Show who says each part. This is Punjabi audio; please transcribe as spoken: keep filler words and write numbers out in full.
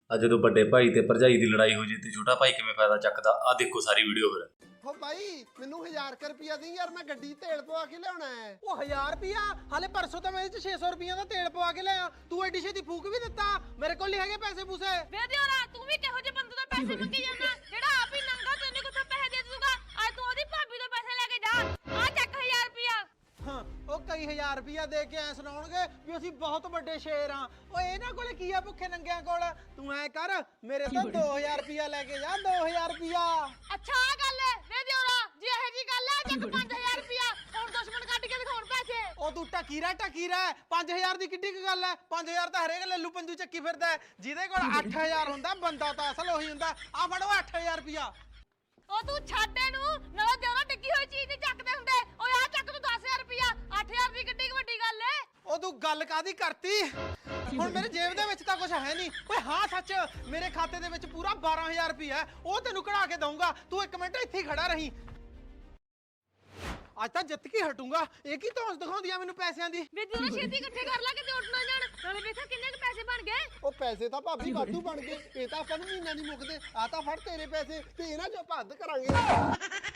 Speaker 1: ਆ ਜਦੋਂ ਵੱਡੇ ਭਾਈ ਤੇ ਭਰਜਾਈ ਦੀ ਲੜਾਈ ਹੋ ਜੇ ਤੇ ਛੋਟਾ ਭਾਈ ਕਿਵੇਂ ਫਾਇਦਾ ਚੱਕਦਾ। ਆ ਦੇਖੋ ਸਾਰੀ ਵੀਡੀਓ ਫਿਰ।
Speaker 2: ਹੋ ਬਾਈ ਮੈਨੂੰ ਹਜ਼ਾਰ ਰੁਪਿਆ ਦੀ ਯਾਰ, ਮੈਂ ਗੱਡੀ ਤੇਲ ਪਵਾ ਕੇ ਲਿਆਉਣਾ ਹੈ।
Speaker 3: ਉਹ ਹਜ਼ਾਰ ਰੁਪਿਆ ਹਾਲੇ ਪਰਸੋਂ ਤਾਂ ਮੈਂ ਇਹ ਚ ਛੇ ਸੌ ਰੁਪਈਆ ਦਾ ਤੇਲ ਪਵਾ ਕੇ ਲਿਆ। ਤੂੰ ਐਡੀ ਛੇਤੀ ਫੂਕ ਵੀ ਦਿੱਤਾ? ਮੇਰੇ ਕੋਲ ਨਹੀਂ ਹੈਗੇ ਪੈਸੇ ਪੂਸੇ।
Speaker 4: ਵੇ ਦਿਓਰਾ ਤੂੰ ਵੀ ਕਿਹੋ ਜਿਹੇ ਬੰਦੇ ਤੋਂ ਪੈਸੇ ਮੰਗੀ ਜਾਂਦਾ ਜਿਹੜਾ ਆਪ ਹੀ ਨੰਗਾ, ਤੈਨੂੰ ਕਿੱਥੋਂ ਪੈਸੇ ਦੇ ਦੂਗਾ? ਅੱਜ ਤੂੰ ਉਹਦੀ ਭਾਬੀ ਤੋਂ ਪੈਸੇ ਲੈ ਕੇ ਜਾ। ਆ ਚੱਕ ਹਜ਼ਾਰ ਰੁਪਿਆ।
Speaker 3: ਹਾਂ ਉਹ ਕਈ ਹਜ਼ਾਰ ਰੁਪਈਆ ਦੇ ਕੇ ਐ ਸੁਣਾਉਣਗੇ ਵੀ ਅਸੀਂ ਬਹੁਤ ਵੱਡੇ ਸ਼ੇਰ ਆ। ਓਏ ਇਹਨਾਂ ਕੋਲੇ ਕੀ ਆ ਭੁੱਖੇ ਨੰਗਿਆਂ ਕੋਲ? ਤੂੰ ਐ ਕਰ ਮੇਰੇ ਤੋਂ ਦੋ ਹਜ਼ਾਰ ਰੁਪਈਆ ਲੈ ਕੇ ਜਾ। ਦੋ ਹਜ਼ਾਰ ਰੁਪਈਆ।
Speaker 4: ਅੱਛਾ ਆ ਗੱਲ ਹੈ ਵੇ ਦਿਓਰਾ, ਜੇ ਇਹ ਜੀ ਗੱਲ ਹੈ ਚੱਕ ਪੰਜ ਹਜ਼ਾਰ ਰੁਪਿਆ। ਹੁਣ ਦੁਸ਼ਮਣ ਕੱਢ ਕੇ ਦਿਖਾਉਣ ਪੈਸੇ।
Speaker 3: ਉਹ ਤੂੰ ਟਕੀਰਾ ਟਕੀਰਾ ਪੰਜ ਹਜ਼ਾਰ ਦੀ ਕਿੱਡੀ ਕੁ ਗੱਲ ਐ? ਪੰਜ ਹਜ਼ਾਰ ਤਾਂ ਹਰੇਕ ਲੱਲੂ ਪੰਜੂ ਚੱਕੀ ਫਿਰਦਾ। ਜਿਹਦੇ ਕੋਲ ਅੱਠ ਹਜ਼ਾਰ ਹੁੰਦਾ ਬੰਦਾ ਤਾਂ ਅਸਲ ਉਹੀ ਹੁੰਦਾ। ਆ ਫੜੋ ਅੱਠ ਹਜ਼ਾਰ ਰੁਪਈਆ।
Speaker 4: ਉਹ ਤੂੰ ਛੱਡ ਇਹਨੂੰ, ਨਾਲੇ ਦਿਓਰਾ ਟਿੱਕੀ ਹੋਈ ਚੀਜ਼ ਨਹੀਂ ਚੱਕਦੇ ਹੁੰਦੇ। ਓਏ ਆ ਚੱਕ ਤੂੰ ਦਸ ਹਜ਼ਾਰ ਰੁਪਿਆ। ਅੱਠ ਹਜ਼ਾਰ ਦੀ ਕਿੱਡੀ ਕੁ ਵੱਡੀ ਗੱਲ ਏ।
Speaker 3: ਉਹ ਤੂੰ ਗੱਲ ਕਾਦੀ ਕਰਤੀ? ਹੁਣ ਮੇਰੇ ਜੇਬ ਦੇ ਵਿੱਚ ਤਾਂ ਕੁਝ ਹੈ ਨਹੀਂ। ਓਏ ਹਾਂ ਸੱਚ, ਮੇਰੇ ਖਾਤੇ ਦੇ ਵਿੱਚ ਪੂਰਾ ਬਾਰਾਂ ਹਜ਼ਾਰ ਰੁਪਇਆ ਉਹ ਤੈਨੂੰ ਕਢਾ ਕੇ ਦਊਂਗਾ। ਤੂੰ ਇੱਕ ਮਿੰਟ ਇੱਥੇ ਹੀ ਖੜਾ ਰਹੀਂ। ਅੱਜ ਤਾਂ ਜਿੱਤ ਕੇ ਹਟੂੰਗਾ। ਇਹ ਕੀ ਧੌਂਸ ਦਿਖਾਉਂਦੀ ਆ ਮੈਨੂੰ ਪੈਸਿਆਂ ਦੀ?
Speaker 4: ਵੇ ਦਿਓਰਾ ਛੇਤੀ ਇਕੱਠੇ ਕਰ ਲਾ ਕਿਤੇ ਉੱਡ ਨਾ ਜਾਣ। ਨਾਲੇ ਵੇਖਾ ਕਿੰਨੇ ਕੁ ਪੈਸੇ ਬਣ ਗਏ।
Speaker 2: ਉਹ ਪੈਸੇ ਤਾਂ ਭਾਬੀ ਵਾਧੂ ਬਣ ਗਏ। ਇਹ ਤਾਂ ਆਪਾਂ ਨੂੰ ਮਹੀਨਾ ਨਹੀਂ ਮੁੱਕਦੇ। ਆ ਤਾਂ ਫੜ ਤੇਰੇ ਪੈਸੇ ਤੇ ਇਹਨਾਂ ਚੋਂ ਭੱਦ ਕਰਾਂਗੇ।